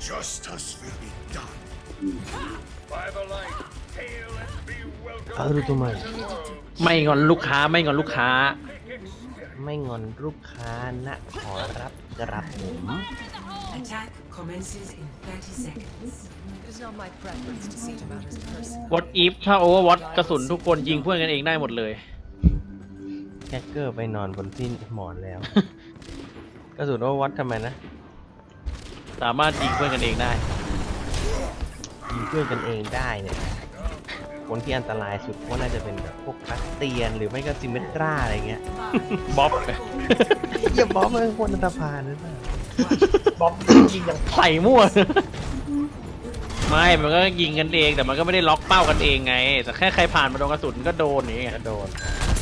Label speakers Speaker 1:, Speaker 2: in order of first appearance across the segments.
Speaker 1: เอาดูตัวใหม่
Speaker 2: ไม่งอนลูกค้าไม่งอนลูกค้า
Speaker 1: ไม่งอนลูกค้านะขอรับกระผม
Speaker 3: Attack commences in 30 seconds.
Speaker 4: It is not my preference to see to matters personal.
Speaker 2: What if ถ้า Overwatch กระสุนทุกคนยิงเพื่อนกันเองได้หมดเลย
Speaker 1: แฮกเกอร์ไปนอนบนที่หมอนแล้ว กระสุนโอวัตทำไมนะ
Speaker 2: สามารถยิงเพื่อนกันเองได้
Speaker 1: ยิงเพื่อนกันเองได้เนี่ยคนที่อันตรายสุดก็น่าจะเป็นแบบพวกคาสเตียนหรือไม่ก็ซิมเมตราอะไรเงี้ย
Speaker 2: บ๊อบ
Speaker 1: อย่าบอกว่าเป็นคนอันตรพานหรือเปล่า
Speaker 5: บ๊อบยิงอย่าง
Speaker 2: ใส่มั่ว ไม่มันก็ยิงกันเองแต่มันก็ไม่ได้ล็อกเป้ากันเองไง แต่แค่ใครผ่านมาโดนกระสุนก็โดนอย่างเงี้ย
Speaker 1: กระโดด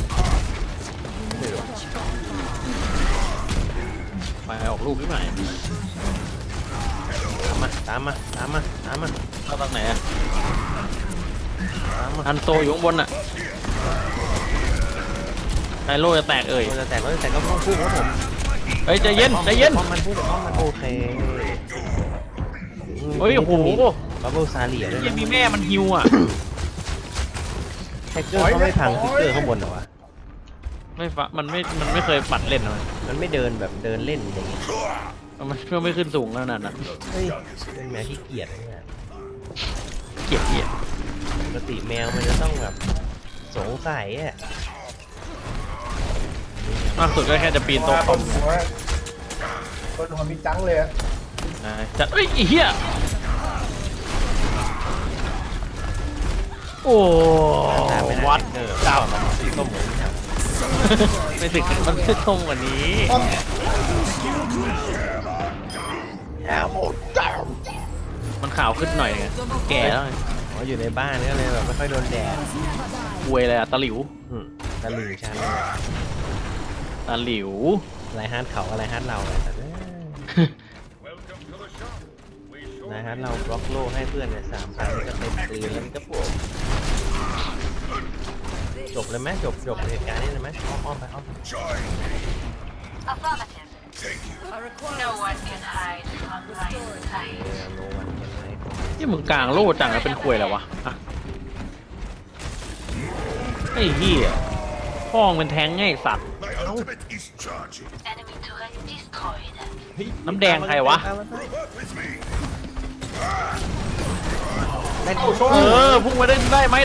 Speaker 2: ไปออกลูกที่ไหน
Speaker 1: ตามมา
Speaker 2: เข้าทางไหนอะ
Speaker 1: ตามมา
Speaker 2: อันโตอยู่ข้างบนอะไฮโลจะแตกเอ่ย
Speaker 1: เราจะแตกก็ต้องพูดครับผม
Speaker 2: เฮ้ยใจเย็นใจเย็น
Speaker 1: ป้อมมันพูดป้อมมันโอเค
Speaker 2: เฮ้ยโอ้โห
Speaker 1: บับเบิ้ลซาเลียด้วย
Speaker 2: ยัง
Speaker 1: นะ
Speaker 2: มีแม่มันฮิวอะ
Speaker 1: แฮกเกอร์เขาไม่พังฟิกเกอร์ข้างบนเหรอวะ
Speaker 2: ไม่ฟะมันไม่เคยปัดเล่นนะ
Speaker 1: มันไม่เดินแบบเดินเล่นอย่างเงี้ย
Speaker 2: มันไม่ขึ้นสูงขนาดนั้น
Speaker 1: เฮ้ยเป็นแมวที่เกียจเนี่ย
Speaker 2: เกลียดเกลียด
Speaker 1: ปกติแมวมันจะต้องแบบสงสัยอ่ะ
Speaker 2: มากสุดก็แค่จะปีนโต๊ะคอม
Speaker 5: บนหัวมีจังเลยอะ
Speaker 2: จัดเอ้ยไอ้เหี้ยโอ้วัด
Speaker 1: เก้าสีส้มเหมือนกัน
Speaker 2: ไม่ถึงมันไม่ตรงกว่านี้ มันขาวขึ้นหน่อยไงแก่แล้วไง
Speaker 1: อ๋ออยู่ในบ้านก็เลยแบบไม่ค่อยโดนแดด
Speaker 2: อวยเลยอะตะหลิว
Speaker 1: ตะลึงชัน
Speaker 2: ตะหลิว
Speaker 1: ไรฮาร์ดเขาอะไรฮาร์ดเราเลยแต่ไรฮาร์ดเราบล็อกโล่ให้เพื่อนเนี่ย3,000นี่ก็เต็มปืนแล้วมันก็ปวดจบเลยไหมจบเหตุการณ์นี้เลยไหมอ้อมไป
Speaker 6: No one can hide from my sight.
Speaker 1: โนวันเป็นไร
Speaker 2: ที่มึงกลางโล่จังแล้วเป็นควยแล้ววะอะไอ้เหี้ยพ่องเป็นแทงไงไอ้สัตว์
Speaker 6: Enemy turret destroyed.
Speaker 2: น้ำแดงใครวะ
Speaker 1: ได้
Speaker 2: พุ่งมาได้ไหม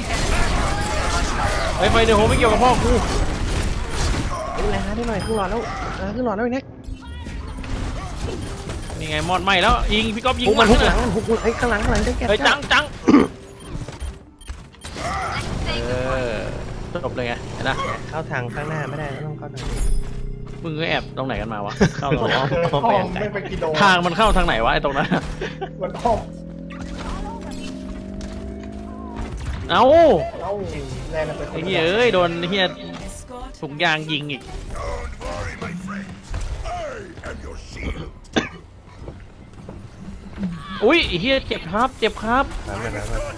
Speaker 2: ไอ้ไฟเดี๋ยวโหไม่เกี่ยวกับพ่อกู
Speaker 1: ไรฮาร์ดได้หน่อยขึ้นหลอดแล้วขึ้นหลอดแล้วอีกนะ
Speaker 2: นี่ไงมอดไหมแล้วยิงพี่ก๊อฟยิง
Speaker 1: มันหุกหลัง
Speaker 2: นะ
Speaker 1: หุกไอ้ข้างหลังได้แก่
Speaker 2: เฮ้ยจังจบเลยไงเห็นนะ
Speaker 1: เข้าทางข้างหน้าไม่ได้ต้องเข้าทางนี้
Speaker 2: มึงก็แอบตรงไหนกันมาวะเข้าตรงไหน
Speaker 1: อ้อม
Speaker 5: ห้
Speaker 1: ไป
Speaker 5: อง
Speaker 1: ยังไง
Speaker 5: ไม่ไปกิโล
Speaker 2: ทางมันเข้าทางไหนวะไอ้ตรงนั้น
Speaker 5: มันห้อง
Speaker 2: เอ้า
Speaker 5: เอ้าแรงกันไป
Speaker 2: ไอ้เหี้ยเอ้ยโดนไอ้เหี้ย
Speaker 3: Escort
Speaker 2: ถุงยางยิงอีกอุ้ยไอ้เหี้ยเจ็บครับ
Speaker 1: ตามไป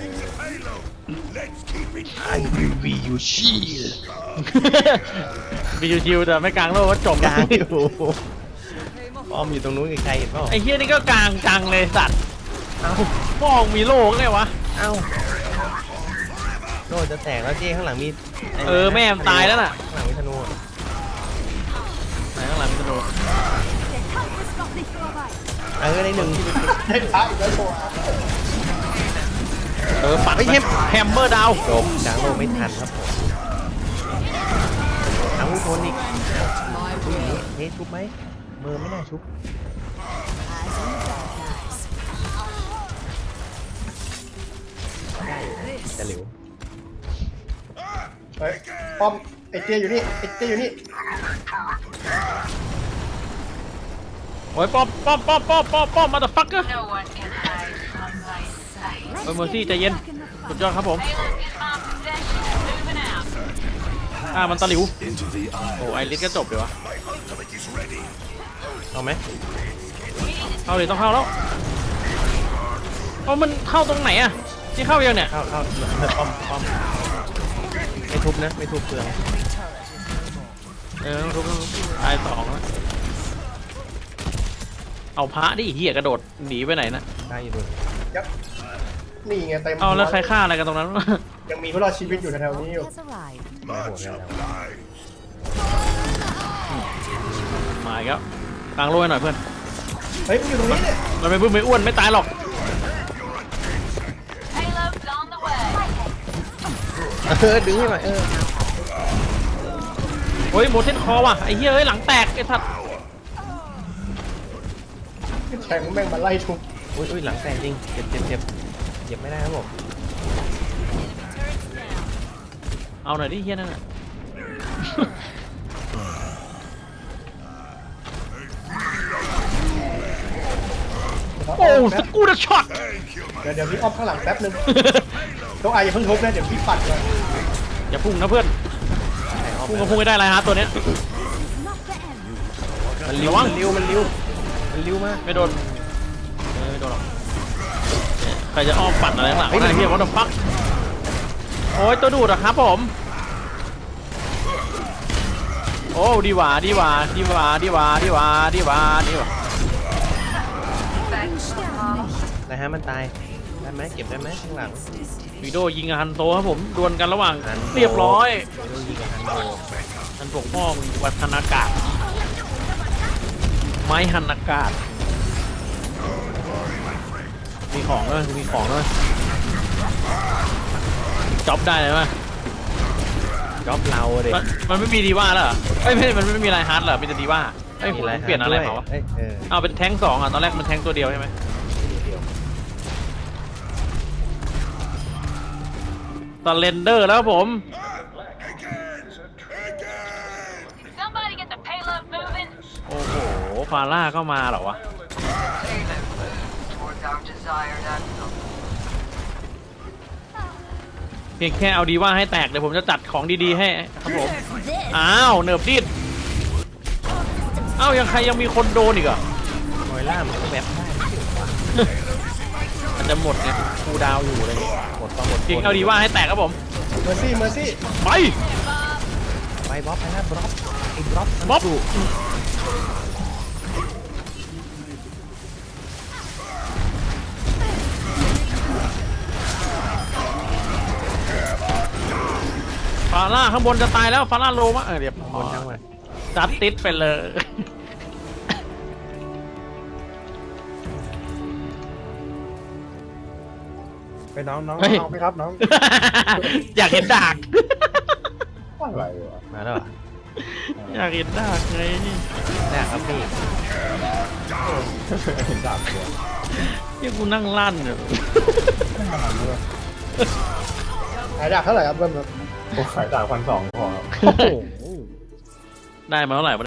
Speaker 1: I will be your shield
Speaker 2: มีชิวๆแต่ไม่กลางโลกว่าจบ
Speaker 1: กลางอยู่อ้อมอยู่ตรงนู้นใครเห็นเปล่า
Speaker 2: ไอ้เหี้ยนี่ก็กลางจังเลยสัตว์เอ้าพ่องมีโลกไงวะ
Speaker 1: เอ้าโลจะแตกแล้วเจ้ข้างหลังมี
Speaker 2: แม่มันตายแล้วน่ะ
Speaker 1: ข้างหลังมีธนู
Speaker 2: ไหนข้างหลังมันโดน
Speaker 1: ได้หนึ่ง
Speaker 5: ได้ท้าอีกแล้วโชว์
Speaker 2: ปัดแฮมเมอร์ดาว
Speaker 1: จบกลางโลไม่ทันครับผมเอาทนอีกเฮ้ยชุบไหมมือไม่น่าชุบได้จะหลิว
Speaker 5: เฮ้ยป้อมไอ้เจอยู่นี่ไอ้เจอยู่นี่
Speaker 2: โอ้ยป้อมมาเดอะฟักเกอร์
Speaker 6: No one can hide from my sight.
Speaker 2: เมอร์ซี่ใจเย็นสุดยอดครับผม
Speaker 6: Payload is my possession. Moving out.
Speaker 2: มันตะหลิวโอ้ไอริสก็จบเลยวะ
Speaker 1: เอาไหม
Speaker 2: เข้าเลยต้องเข้าแล้วมันเข้าตรงไหนอะที่เข้ายังเนี่ย
Speaker 1: เข้าป้อมไม่ทุบนะไม่ทุบเปลือง
Speaker 2: ต้องทุบตาย2แล้วเอาพระดิเหี้ยกระโดดหนีไปไหนนะ
Speaker 1: ได้อยู่ดู
Speaker 5: ยับนี่ไงเต็ม
Speaker 2: เอาแล้วใครฆ่าอะไรกันตรงนั้น
Speaker 5: ยังมีผู้รอดชีวิตอยู่แถวๆนี้อยู่
Speaker 4: Has arrived.
Speaker 1: ได้โหดแล้ว
Speaker 2: มาอีกแล้วกลางโลยหน่อยเพื่อน
Speaker 5: เฮ้ยมันอยู่ตรงนี้เนี่ย
Speaker 2: มันไม่บึ้มไม่อ้วนไม่ตายหรอก
Speaker 6: Payload's on the way.
Speaker 1: ดึงให้หน่อย
Speaker 2: เฮ้ยโมเทนคอว่ะไอ้เหี้ยเอ้ยหลังแตกไอ้สัตว์
Speaker 5: แทงแม่งมาไล่ทุบ
Speaker 1: อุ้ยหลังแตกจริงเจ็บไม่ได้ครับผม
Speaker 2: เอาหน่อยดิเหี้ยนั่นน่ะ โอ้สกูดช็อต
Speaker 5: เดี๋ยวพี่อ้อมข้างหลังแป๊บนึงต้องอายอย่าเพิ่งทุบนะเดี๋ยวพี่ปัดเลย
Speaker 2: อย่าพุ่งนะเพื่อนพุ่งก็พุ่งไม่ได้ไรฮะตัวเนี้ย
Speaker 1: มันเลี้ยวมันเลี้ยวมาก
Speaker 2: ไม่โดนไม่โดนหรอกใครจะอ้อมปัดอะไรข้างหลังไอ้เหี้ยวัดฟักโอ้ยตัวดูดอะครับผมโอ้ดีหว่า
Speaker 1: นะฮะมันตายได้ไหมเก็บได้ไหมข้างหลัง
Speaker 2: วีโดยิงกับฮันโตครับผมดวลกันระหว่าง
Speaker 1: ฮันโต
Speaker 2: เรียบร้อย
Speaker 1: โดนยิงกับฮันโต
Speaker 2: ฮันปกป้องวัฒนากาศไม้ฮันอากาศมีของด้วยจ็อบได้เลยมั้ย
Speaker 1: จ็อบเราเด็ก
Speaker 2: มันไม่มีดีว่าแล้วเหรอเอ้ยไม่มันไม่มีไลน์ฮาร์ดเหรอมีแต่ดีว่าเอ้ยผมเปลี่ยนอะไรเปล่าวะ เอาเป็นแท้งสองอ่ะตอนแรกมันแท้งตัวเดียวใช่ไหมตอนเรนเดอร์แล้วครับผม
Speaker 6: Somebody get the payload moving.
Speaker 2: โอ้โหฟาร่าก็มาเหรอวะ
Speaker 6: Towards our desired outcome.
Speaker 2: เพียงแค่เอาดีว่าให้แตกเดี๋ยวผมจะจัดของดีๆให้ครับผมอ้าวเนิร์ฟดิดอ้าวยังใครยังมีคนโดนอีกอ่ะ
Speaker 1: มอยล่ามันก็แวบได้
Speaker 2: มันจะหมดไงคูลดาวน์อยู่เลย
Speaker 1: หมดก็หมด
Speaker 2: เพียงเอาดีว่าให้แตกครับผม
Speaker 5: เมอร์ซี่
Speaker 2: ไป
Speaker 1: ไปบล็อกไปนะบล็อกไอ้บล็อก
Speaker 2: บ๊อบ ฟาร่าข้างบนจะตายแล้วฟาร่าโลมาเดี๋ยว
Speaker 1: บนทั้งวัน
Speaker 2: จัดติดไปเลย
Speaker 5: ไปน้อง
Speaker 2: เฮ้ย
Speaker 5: เอาไหมครับน้อง
Speaker 2: อยากเห็นดาก
Speaker 5: อะไรวะ
Speaker 1: มาแล้วเหรอ
Speaker 2: อยากเห็นดากไง
Speaker 1: ได้ครับพี่
Speaker 5: ดับเลย
Speaker 2: ที่กูนั่งลั่นเนี่ย
Speaker 5: ขายดับเท่าไหร่ครับเบิ้มครับ
Speaker 7: ขายจาก1,200พอครับ
Speaker 2: ได้มาเท่าไหร่